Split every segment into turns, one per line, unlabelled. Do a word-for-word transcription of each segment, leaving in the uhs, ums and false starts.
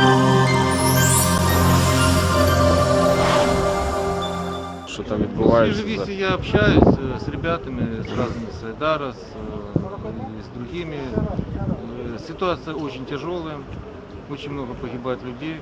Что там
Ну,
відбувається?
в Свежевесте я общаюсь э, с ребятами, с разными с Айдара, с, э, и с другими. Э, Ситуация очень тяжелая, очень много погибает людей.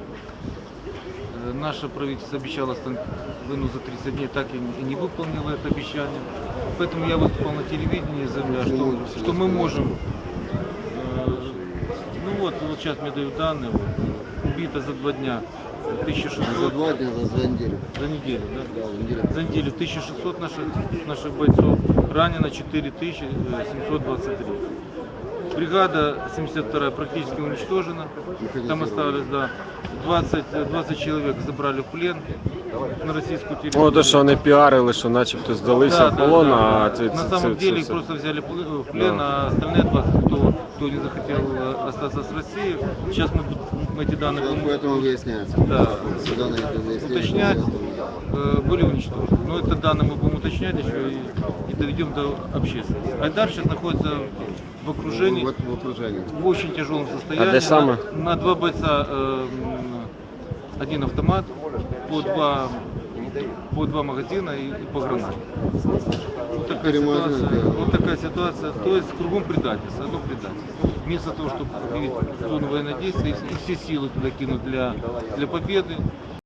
Э, Наше правительство обещало остановить войну за тридцать дней, так и не и не выполнило это обещание. Поэтому я выступал на телевидении и заявляю, что, что мы можем. э, Ну вот, вот сейчас мне дают данные, вот, убито за два дня тысяча
За
шестьсот.
два дня, за, за неделю.
За неделю, да?
Да, за неделю.
За неделю тысяча шестьсот наших, наших бойцов, ранено четыре тысячи семьсот двадцать три. Бригада семьдесят вторая практически уничтожена. Там осталось, да, двадцать, двадцать человек забрали в плен на российскую территорию.
Ну, то, що вони піарили, що начебто здалися в полон,
да.
а це,
На
це,
самом
це,
деле
це
их
все.
просто взяли в плен,
Да.
а остальные двадцать, кто, кто не захотел э, остаться с Россией. Сейчас мы, мы эти данные
Вот
будем
поэтому выясняется.
Да.
Сюда на это выяснение.
уточнять, э, были уничтожены. Но это данные мы будем уточнять еще и, и доведем до общественности. Айдар сейчас находится в окружении,
Вот в окружении.
в очень тяжелом состоянии.
А где самое?
На, на два бойца э, м, один автомат, по два, по два магазина и, и по гранате. Вот такая,
Перемазано
ситуация,
дело.
вот такая ситуация. То есть кругом предательство, одно предательство. Вместо того, чтобы объявить зону военных действий и все силы туда кинуть для, для победы,